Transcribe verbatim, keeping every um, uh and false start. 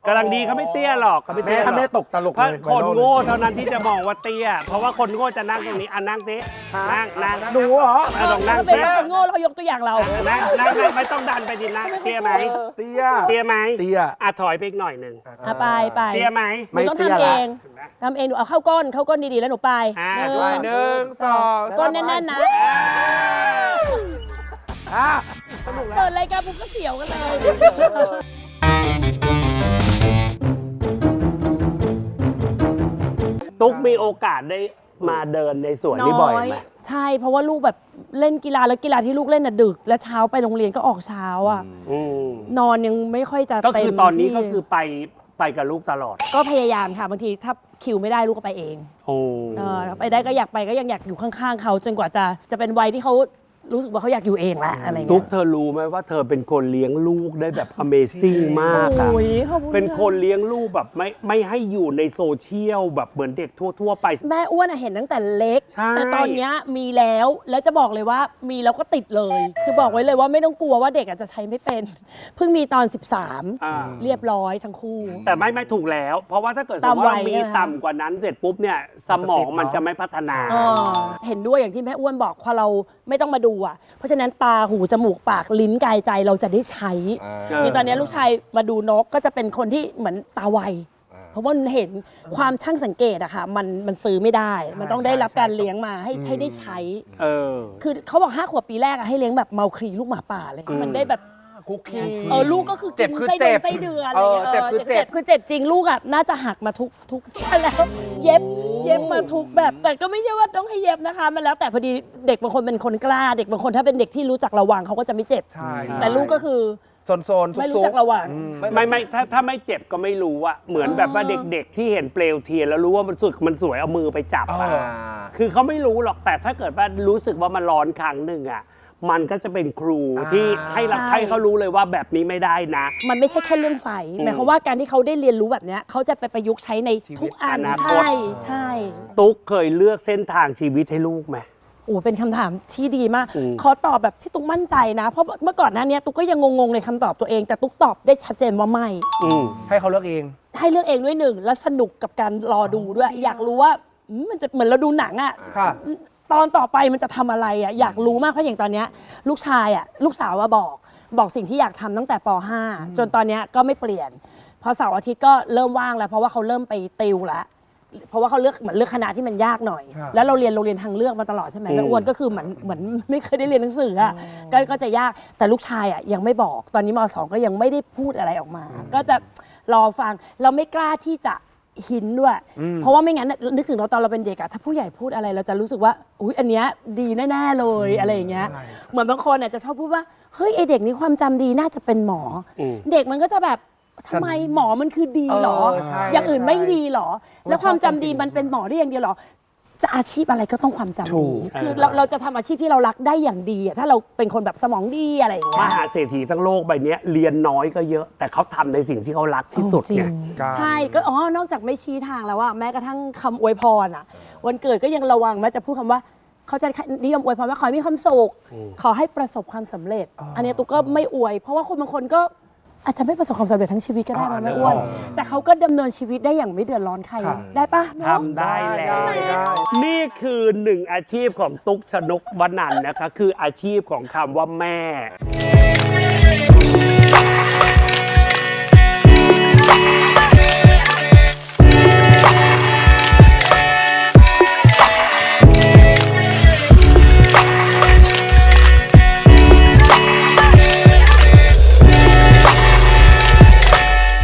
ำลังดีเขาไม่เตี้ยหรอกเขาไม่แม่เตี้ยหรถ้าอกแม่ตกตลกเพราะเลยคนโง่เท่านั้นที่จะมองว่าเตี้ยเพราะว่าคนโง่จะนั่งตรงนี้อ่ะนั่งสินั่งนั่งหนูเหรออ่ะลองนั่งถ้าเป็นคนโง่เรายกตัวอย่างเรานั่งนั่งนั่งไม่ต้องดันไปดินั่งเตี้ยไหมเตี้ยเตี้ยไหมเตี้ยอ่ะถอยไปอีกหน่อยหนึ่งอ่ะไปไปเตี้ยไหมหนูต้องทำเองทำเองหนูเอาเข้าก้นเข้าก้นดีๆแล้วหนูไปอ่าหนึ่งหนึ่งสองก้นแน่นๆนะอ่ะเปิดรายการปุ๊บก็เสียวกันเลยตุ๊กมีโอกาสได้มาเดินในสวนนี่บ่อยไหมใช่เพราะว่าลูกแบบเล่นกีฬาแล้วกีฬาที่ลูกเล่นน่ะดึก แล้วเช้าไปโรงเรียนก็ออกเช้าอ่ะอืมนอนยังไม่ค่อยจะก็เต็มคือตอนนี้ที่ก็คือไปไปกับลูกตลอดก็พยายามค่ะบางทีถ้าคิวไม่ได้ลูกก็ไปเองโอ้เออไปได้ก็อยากไปก็ยังอยากอยู่ข้างๆเขาจนกว่าจะจะเป็นวัยที่เขารู้สึกว่าเขาอยากอยู่เองแหละอะไรตุ๊เงี้กยเธอรู้ไหมว่าเธอเป็นคนเลี้ยงลูกได้แบบ Amazing มากอะโอ้ยขอบณเป็นคนเลี้ยงลูกแบบไม่ไม่ให้อยู่ในโซเชียลแบบเหมือนเด็กทั่ว ๆ ไปแม่อ้วนอะเห็นตั้งแต่เล็กใช่แต่ตอนเนี้ยมีแล้วแล้วจะบอกเลยว่ามีแล้วก็ติดเลย คือบอกไว้เลยว่าไม่ต้องกลัวว่าเด็กอาจจะใช้ไม่เป็นเพิ่งมีตอนสิบสามอ่าเรียบร้อยทั้งคู่แต่ไม่ไม่ถูกแล้ว เพราะว่าถ้าเกิดสมตามมติวัว่าย มีใช่ไหมต่ำกว่านั้นเสร็จปุ๊บเนี่ยสมองมันจะไม่พัฒนาเออเห็นด้วยอย่างที่แม่อ้วนบอกพอเราไม่ต้องมาดูอ่ะเพราะฉะนั้นตาหูจมูกปากลิ้นกายใจเราจะได้ใช้เออนี่ตอนนี้ลูกชายมาดูนกก็จะเป็นคนที่เหมือนตาไวเพราะว่ามันเห็นความช่างสังเกตอะค่ะมันมันซื้อไม่ได้ มันต้องได้รับการเลี้ยงมาให้ให้ได้ใช้เออคือเขาบอกห้าขวบปีแรกอะให้เลี้ยงแบบเมาคลีลูกหมาป่าเลยอืมมันได้แบบคุกกี้เออลูกก็คือเจ็กิบนคือไส้เจ็เดือนบไส้เดือนเอออะไรเจ็บเงี้ยคือเจ็บคือเจ็บจริงลูกอะน่าจะหักมาทุกทุกเส้นแล้ว เย็บเย็บมาทุกแบบ แต่ก็ไม่ใช่ว่าต้องให้เย็บนะคะ มันแล้วแต่พอดีเด็กบางคนเป็นคนกล้า เด็กบางคนถ้าเป็นเด็กที่รู้จักระวังเขาก็จะไม่เจ็บใช่แต่ลูกก็คือโซนโซนๆไม่ซุรู้กจักระวังๆไม่ไม่ถ้าถ้าไม่เจ็บก็ไม่รู้อะเหมือนแบบว่าเด็กๆที่เห็นเปลวเทียนแล้วรู้ว่ามันสุดมันสวยเอามือไปจับเออะอคือเขาไม่รู้หรอกแต่ถ้าเกิดว่ารู้สึกว่ามันร้อนครั้งหนึ่งอะมันก็จะเป็นครูอ่าที่ให้เราใช่ให้เขารู้เลยว่าแบบนี้ไม่ได้นะมันไม่ใช่แค่เรื่องไฟหมายความว่าการที่เขาได้เรียนรู้แบบเนี้ยเขาจะไปประยุกต์ใช้ในทุกอันอนาคตใช่ใช่ตุ๊กเคยเลือกเส้นทางชีวิตให้ลูกไหมโอ้เป็นคำถามที่ดีมากอืมขอตอบแบบที่ตุ๊กมั่นใจนะ เพราะเมื่อก่อนหน้านี้ตุ๊กก็ยังงงๆในคำตอบตัวเอง แต่ตุ๊กตอบได้ชัดเจนว่าไม่อืมให้เขาเลือกเองให้เลือกเองด้วยหนึ่งแล้วสนุกกับการรอดูด้วย อยากรู้ว่าอืมมันจะเหมือนเราดูหนังอะค่ะตอนต่อไปมันจะทำอะไรอะอยากรู้มากเพราะอย่างตอนเนี้ยลูกชายอะลูกสาวว่าบอกบอกสิ่งที่อยากทำตั้งแต่ป .ห้า จนตอนเนี้ยก็ไม่เปลี่ยน พอเสาร์อาทิตย์ก็เริ่มว่างแล้วเพราะว่าเขาเริ่มไปติวแล้วเพราะว่าเขาเลือกเหมือนเลือกคณะที่มันยากหน่อยครับแล้วเราเรียนโรงเรียนทางเลือกมาตลอดใช่ไหมอืมแม่อ้วนก็คือเหมือนเหมือนไม่เคยได้เรียนหนังสืออะก็ก็จะยากแต่ลูกชายอะยังไม่บอกตอนนี้มสองก็ยังไม่ได้พูดอะไรออกมา ก็จะรอฟังเราไม่กล้าที่จะหินด้วยอืมเพราะว่าไม่งั้นน่ะนึกถึงเราตอนเราเป็นเด็กอะถ้าผู้ใหญ่พูดอะไรเราจะรู้สึกว่าอุ๊ยอันเนี้ยดีแน่ๆเลยอะไรอย่างเงี้ยใช่เหมือนบางคนอาจจะชอบพูดว่าเฮ้ยไอเด็กนี้ความจำดีน่าจะเป็นหมออมเด็กมันก็จะแบบทำไมหมอมันคือดีเหรอเออใช่อย่างอื่นใช่ไม่ดีเหรอ แล้วความจำดีชอบความมันเป็นหมอได้อย่างเดียวเหรอ จะอาชีพอะไรก็ต้องความจำถูดีกคือเราเราจะทำอาชีพที่เรารักได้อย่างดีอะถ้าเราเป็นคนแบบสมองดีอะไรอย่างมเงี้ยหาเศรษฐีทั้งโลกใบเนี้ยเรียนน้อยก็เยอะ แต่เขาทำในสิ่งที่เขารักที่สุดจริไงงการใช่ก็อ๋อนอกจากไม่ชี้ทางแล้วว่าแม้กระทั่งคำอวยพรอ่ะ วันเกิดก็ยังระวังแม้จะพูดคำว่าเขาจะนิยมอวยพรว่าขอให้มีความสุขอืมขอให้ประสบความสำเร็จอ๋ออัอันนี้ตุ๊กก็ไม่อวย เพราะว่าคนบางคนก็อาจจะไม่ประสบความสำเร็จทั้งชีวิตก็ได้อ๋อนะไม่อ้วนอ๋อแต่เขาก็ดำเนินชีวิตได้อย่างไม่เดือดร้อนใครครับได้ปะเนอะทำได้แล้ได้วได้นี่คือหนึ่งอาชีพของตุ๊กชนกวนันท์นะคะ คืออาชีพของคำว่าแม่